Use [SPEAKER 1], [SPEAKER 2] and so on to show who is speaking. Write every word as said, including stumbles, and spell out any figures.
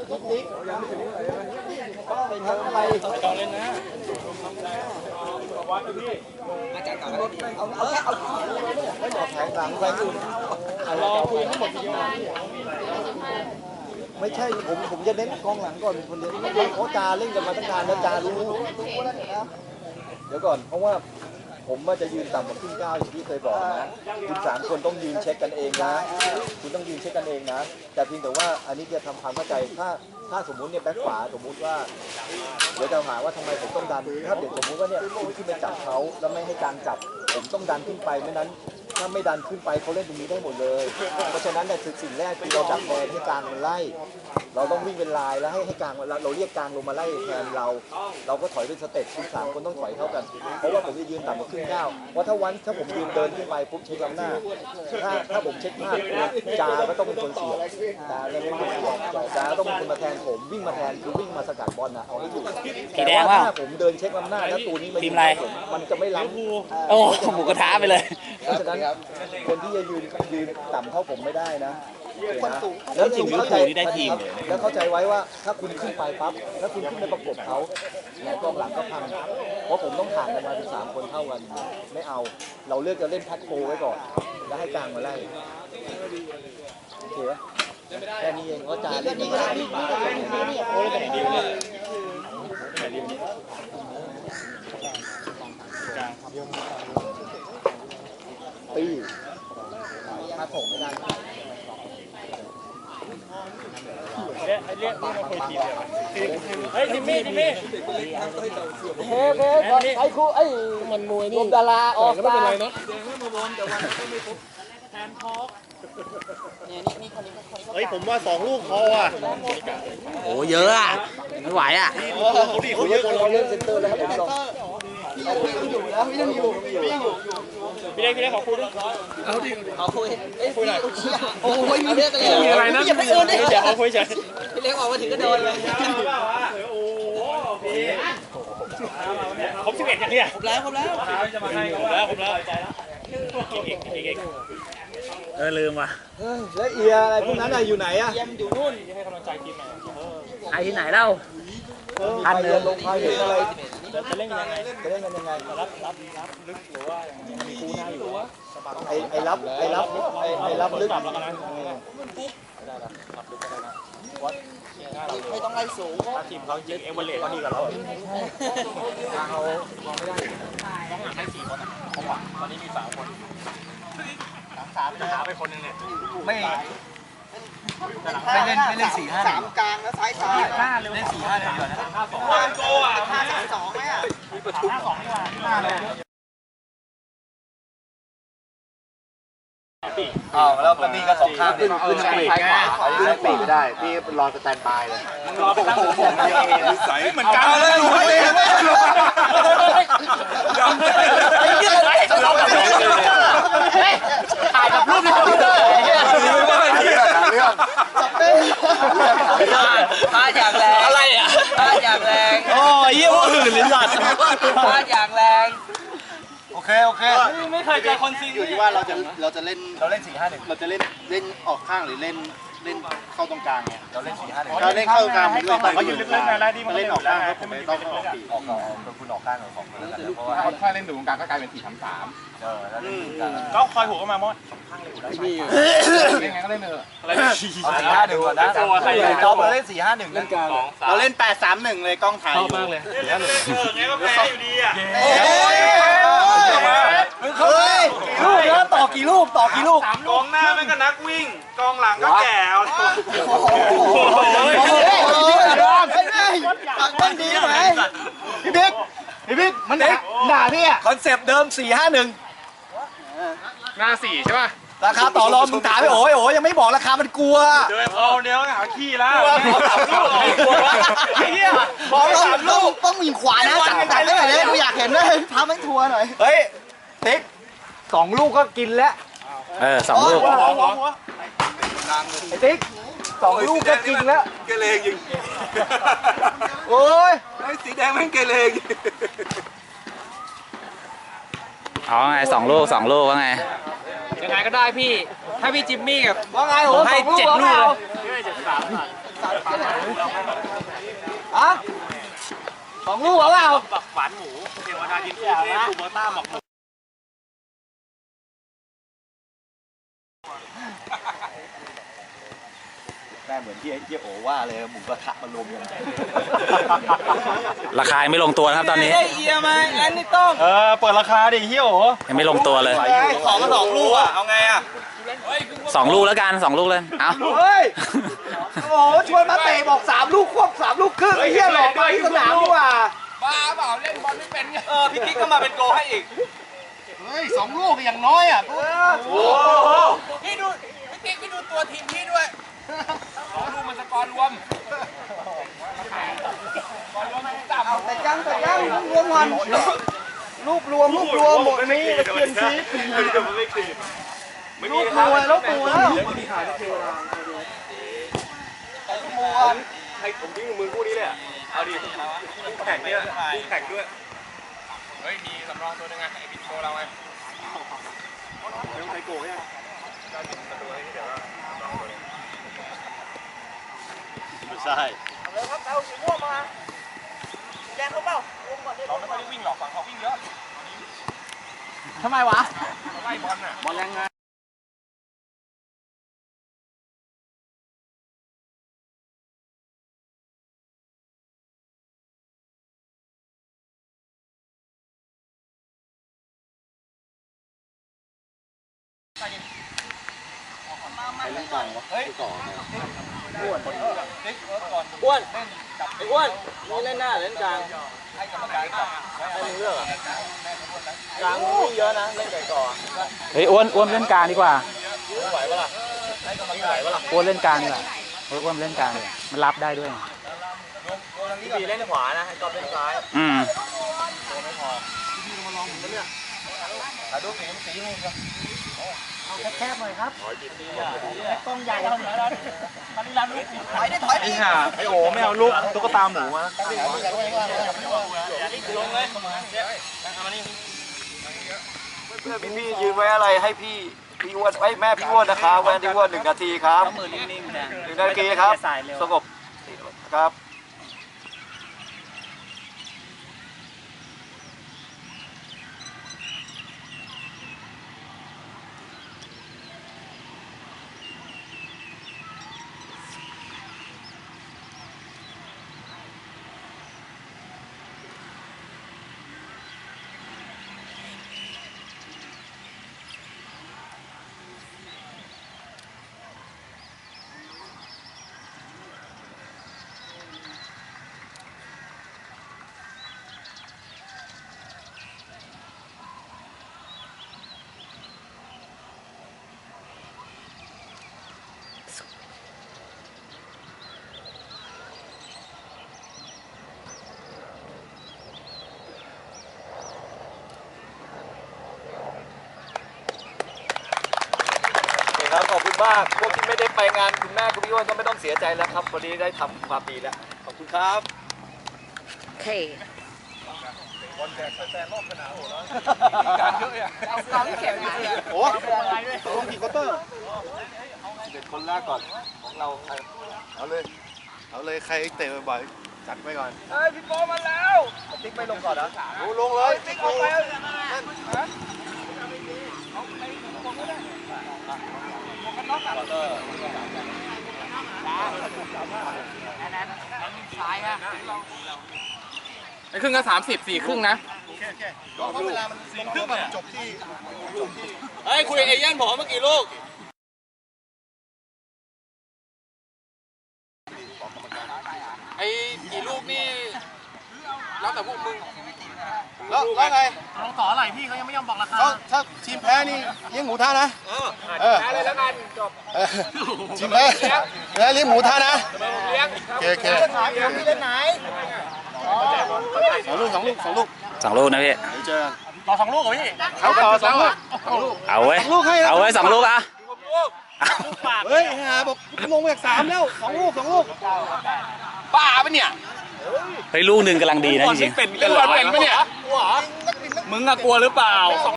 [SPEAKER 1] เป็นทั้งอะไรจองเล่นนะวัดพี่มาจัดการเอาเอาแค่เอาไม่บอกแผงหลังแผงอื่นรอคุยทั้งหมดทีเดียวไม่ใช่ผมผมจะเน้นกองหลังก่อนคนเดียวเพราะจาเล่นกันมาตั้งนานแล้วจารู้เดี๋ยวก่อนเพราะว่าผมว่าจะยืนต่ำกว่าครึ่งก้าวอย่างที่เคยบอกนะคุณสามคนต้องยืนเช็คกันเองนะคุณต้องยืนเช็คกันเองนะแต่เพียงแต่ว่าอันนี้จะทำความเข้าใจถ้าถ้าสมมุติเนี่ยแบ็คขวาสมมุติว่าเดี๋ยวจะหาว่าทำไมผมต้องดันถ้าเดี๋ยวสมมุติว่าเนี่ยคุณขึ้นไปจับเขาแล้วไม่ให้การจับผมต้องดันขึ้นไปไม่นั้นถ้าไม่ดันขึ้นไปเขาเล่นตรงนี้ได้หมดเลยเพราะฉะนั้นเนี่ยสิ่งแรกคือเราดักแทนให้กลางมันไล่เราต้องวิ่งเป็นลายแล้วให้ให้กลางเราเรียกกลางลงมาไล่แทนเราเราก็ถอยเป็นสเต็ปคุณสามคนต้องถอยเท่ากันเพราะว่าผมจะยืนต่ำกว่าครึ่งก้าวเพราะถ้าวันถ้าผมยืนเดินขึ้นไปปุ๊บเช็คล้ำหน้าถ้าถ้าผมเช็คพลาดจาก็ต้องเป็นคนเสียจาต้องเป็นคนเสียจาก็ต้องเป็นคนมาแทนผมวิ่งมาแทนคือวิ่งมาสกัดบอลนะเอาให้อยู่แต่ว่าถ้าผมเดินเช็คล้ำหน้าแล้วตัวนี้มันมันจะไม่ล้ำ
[SPEAKER 2] โอ้หมูกระทะไปเลย
[SPEAKER 1] เพราะฉะนั้นคนที่จะยืนยืนต่ำเท่าผมไม่ได้นะแล้วจริงเข้าใจแล้วเข้าใจไว้ว่าถ้าคุณขึ้นไปปั๊บแล้วคุณขึ้นไปประกบเขาแล้วกองหลังก็พังเพราะผมต้องห่างกันมาเป็นสามคนเท่ากันไม่เอาเราเลือกจะเล่นแพ็คโฟไว้ก่อนแล้วให้กลางมาไล่โอเคแค่นี้เองว่าจ่าเล่นไม่ได้โอ้ยแต่ดีเลยตีถ้าผมไม่ได้เรียกเรียกนี่มาคุยทีเดียวเฮ้ยทิมมี่ทิมมี่เฮ้ยเฮ้ยไอ้ครูไอ้มันมวยนี่ดาราออกมาแดงไม่มาบอลแต่วันก็ไม่ครบแทนพอกเนี่ยนี่นี่คนนี้เฮ้ยผมว่าสองลูกพออ่ะ
[SPEAKER 2] โอ้เยอะอ่ะไม่ไหวอ่ะ
[SPEAKER 1] เขาดีเขาเยอะเขาเล่นเซนเตอร์แล้วครับผมพี่ยังอยู่นะพี่ยังอยู่พี่ยังอยู่พี่เล็กพี่เล็กขอคุยด้วยเอาดิขอคุยเอ้ยคุยหน่อยโอ้ยมีเรื่องอะไรมีอะไรนะอย่าไปเอิญดิเดี๋ยวขอคุยเฉยพี่เล็กออกมาถึงก็โดนเลยโอ้พี่ครบสิบเอ็ดอย่างเนี้ยครบแล้วครบแล้วจะมาให้ครบแล้วครบแล้วใจแล้วอีกอีกอีก
[SPEAKER 2] เออลืมว่ะ
[SPEAKER 1] เฮ้ยแล้วเอียอะไรพวกนั้นอะอยู่ไหนอะเอียมอยู่นู่นให้กำลังใจทีมหน่อย
[SPEAKER 2] ใครที่ไหนเล่า
[SPEAKER 1] พันเดือนลงพายเห็นอะไรจะเล่นยังไงจะเล่นกันยังไงรับรับรับลึกหรือว่ามีคูหน้าอยู่ไอไอรับไอรับไอไอรับลึกไม่ได้ละรับลึกไม่ได้นะวัดไม่ต้องไล่สูงถ้าทีมเขาเจ็ดเอเวอเรสต์ก็ดีกว่าเราเขามองไม่ได้ต้องหาให้สี่คนผมหวังตอนนี้มีสามคนสามสามจะหาไปคนหนึ่งเนี่ยไม่ไม่เล่นไม่เล่นสี่ห้าสามกลางแล้วซ้ายซ้ายห้าเล่นสี่ห้าเลยดีกว่านะห้าสองห้าโกอ่ะห้าสองไหมอ่ะห้าสองนี่ว่าห้าเลยอ้าวแล้วนี่ก็สองข้างเนี่ยขึ้นปีกไงขึ้นปีกไม่ได้พี่รอสแตนบายเลยรอไปตั้งผมใส่เหมือนกันเลยดูให้เลยยอมเลยไอ้ยี่อะไรเราแบบถ่ายกับรูปในคอมพิวเตอร์เรื่องจับเต้พลาดอย่างแรงอะไรอ่ะพลาดอย่างแรงโอ้ยยี่ห้ออื่นเลยสัตว์พลาดอย่างแรงโอเคโอเคไม่เคยเจอคนซีอยู่ที่ว่าเราจะเราจะเล่นเราเล่นสี่ห้าหนึ่งเราจะเล่นเล่นออกข้างหรือเล่นเล่นเข้าตรงกลางเนี่ยเราเล่นสี่ห้าหนึ่งเราเล่นเข้ากลางด้วยแต่เขายืนลึกๆนะแล้วที่มันเล่นออกข้างผมไม่ต้องออกปีกออกออกคุณออกข้างหรือของคนแล้วเพราะว่าถ้าเล่นตรงกลางก็กลายเป็นสี่สามสามเออแล้วก็คอยหัวเข้ามามอดข้างเลยอยู่ได้มีเล่นไงก็เล่นเอออะไรสี่ห้าหนึ่งก่อนนะเราเล่นสี่ห้าหนึ่งเล่นกลางเราเล่นแปดสามหนึ่งเลยกล้องถ่ายอยู่มากเลยสี่ห้าหนึ่งเออไงก็แพ้อยู่ดีอ่ะเฮ้ยลูกแล้วต่อกี่ลูกต่อกี่ลูกกองหน้าไม่ก็นักวิ่งกองหลังก็แก่เอาโอ้โหมันดีไหมพี่บิ๊กพี่บิ๊กมันด่าพี่อ่ะคอนเซปต์เดิมสี่ห้าหนึ่งหน้าสี่ใช่ป่ะราคาต่อรองมึงถามไปโอ้ยโอ้ยยังไม่บอกราคามันกลัวเดี๋ยวพอเดี๋ยวหาขี้แล้วสามลูกไอ้เหี้ยบอกสามลูกต้องมีขวานะจับจับได้ไหมกูอยากเห็นเลยพามันทัวร์หน่อยเฮ้ยติ๊กสองลูกก็กินแล้ว
[SPEAKER 2] เออสองลูก
[SPEAKER 1] ไอ้ติ๊กสองลูกก็กินแล้วเกเรยิงโอ้ยไอ้สีแดงแม่งเกเรยิง
[SPEAKER 2] เอาไงสองลูกสองลูกว่าไง
[SPEAKER 3] ยังไงก็ได้พี่ถ้าพี่จิมมี่กับ
[SPEAKER 1] ว่าไง
[SPEAKER 3] ผมให้เจ็ดลูกเลย
[SPEAKER 1] ฮะสองลูกเหรอเปล่า
[SPEAKER 3] บักหวานหมูเทวดาดินฟูเทปูเบอร์ต้าหมอกหมู
[SPEAKER 1] แม่เหมือนที่ไอ้เจี๊ยโอว่าเลยหมูกระทะมารวมกัน
[SPEAKER 2] ราคายังไม่ลงตัวนะครับตอนนี้
[SPEAKER 3] เยี่ยมไหมแอนนี่ต้องเออเปิดราคาดิเฮียโอ
[SPEAKER 2] ยังไม่ลงตัวเลย
[SPEAKER 3] ขอมาสองลูกอ่ะเอาไงอ่ะ
[SPEAKER 2] สองลูกแล้วกันสองลูกเลยเอา
[SPEAKER 1] เฮ้ยโอ้โหชวนมาเตะบอกสามลูกควบสามลูกครึ่งไอ้เหี้ยหลอกมาที่สนามดีกว่า
[SPEAKER 3] บ้าเปล่าเล่นบอลไม่เป็นไงเออพี่กิ๊กก็มาเป็นโกให้อีกเฮ้ยสองลูกอย่างน้อยอ่ะโอ้โหพี่ดูพี่กิ๊กพี่ดูตัวทีมพี่ด้วยสองลูกมันสกอร์รวม
[SPEAKER 1] เอาแต่ยังแต่ยังลูกรวมวันลูกรวมลูกรวมหมดนี้ตะเกียนซีลูกรวมลูกรวมแล้ว
[SPEAKER 3] ให้ผมทิ้งมือคู่นี้เลยอ่ะเอาดิคู่แข่งเนี่ยคู่แข่งด้วยเฮ้ยมีสำรองตัวนึงไงไอ้บิ๊กโชเราไงไม่ต้องใช้โก้ยังไม่ใช่เราครับเอาสีม่วงมาแดงเขาเปล่าเราไม่ค่อยได้วิ่งหรอกฝั่งเขาวิ่งเยอะ
[SPEAKER 2] ทำไมวะ
[SPEAKER 3] ไล่บอลน่ะบอลแรงงานเฮ้ยอ้วนอ้วนไอ้อ้วนนี่เล่นหน้าเล่นกลางให้กรรมการให้มึงเลือกกลางมึงวิ่งเยอะนะเล่นไก่ก่อ
[SPEAKER 2] เฮ้ยอ้วนอ้วนเล่นกลางดีกว่า
[SPEAKER 3] ไหวปะล่ะวิ่งไหวปะล่ะ
[SPEAKER 2] อ้วนเล่นกลางดีกว่าเฮ้ยอ้วนเล่นกลางเลยมันรับได้ด้วย
[SPEAKER 3] พี่บีเล่นขวานะให้กอล์ฟเล่นซ้าย
[SPEAKER 2] อืม
[SPEAKER 3] ถ่ายรูปสีสีมึงครับ
[SPEAKER 1] แคบๆหน่อยครับ
[SPEAKER 3] กล้องใหญ่แล้วถอยได้ถอยไอ้ห่าไอ้โอไม่เอาลูกตุ๊กตาหมูมาลงเลยเพื่อนพี่ๆยืนไว้อะไรให้พี่พี่อ้วนไว้แม่พี่อ้วนนะครับแวนพี่อ้วนหนึ่งนาทีครับหนึ่งนาทีครับสงบครับครับขอบคุณมากพวกที่ไม่ได้ไปงานคุณแม่คุณพี่อ้วนก็ไม่ต้องเสียใจแล้วครับวันนี้ได้ทำความดีแล้วขอบคุณครับ
[SPEAKER 4] โอเค
[SPEAKER 3] วันแจกแฟนรอบสนามโหแล้วการเยอะอ่ะ
[SPEAKER 4] เอาความเข็มมา
[SPEAKER 3] โอ้ลงกี่ควอเตอร์เด็ดคนแรกก่อนของเราใครเอาเลยเอาเลยใครเตะบ่อยๆจัดไปก่อนเฮ้ยพี่โปมาแล้วติ๊กไม่ลงก่อนเหรอลงเลยติ๊กเอาไปไอ้ครึ่งก็สามสิบสี่ครึ่งนะเพราะเวลามันสี่ครึ่งจบที่เฮ้ยคุยเอเย่นผมเมื่อกี้ลูกไอ้กี่ลูกนี่แล้วแต่พวกมึงแล้วแล้วไงลองต่ออะไรพี่เขายังไม่ยอมบอกราคาถ้าทีมแพ้นี่เลี้ยงหมูท่านะเออแพ้เลยแล้วกันจบทีมแพ้แล้วเลี้ยงหมูท่านะเลี้ยงโอเคโอเคเล่นไหนเล่นไหนสองลูกสองลูกสองลูก
[SPEAKER 2] สองลูกนะพี่
[SPEAKER 3] เดี๋ยวเจอต่อสองลูกเหรอพี่เขาต่อสองลูก
[SPEAKER 2] เอาไว้เอาไว้สองลูกอ่ะ
[SPEAKER 3] เฮ้ยหาบอกลงไปจากสามแล้วสองลูกสองลูกป้าปะเนี่ย
[SPEAKER 2] เฮ้ยลูกหนึ่งกำลังดีนะจริงๆ
[SPEAKER 3] เป็นกันเหรอเป็นปะเนี่ยมึงอะกลัวหรือเปล่า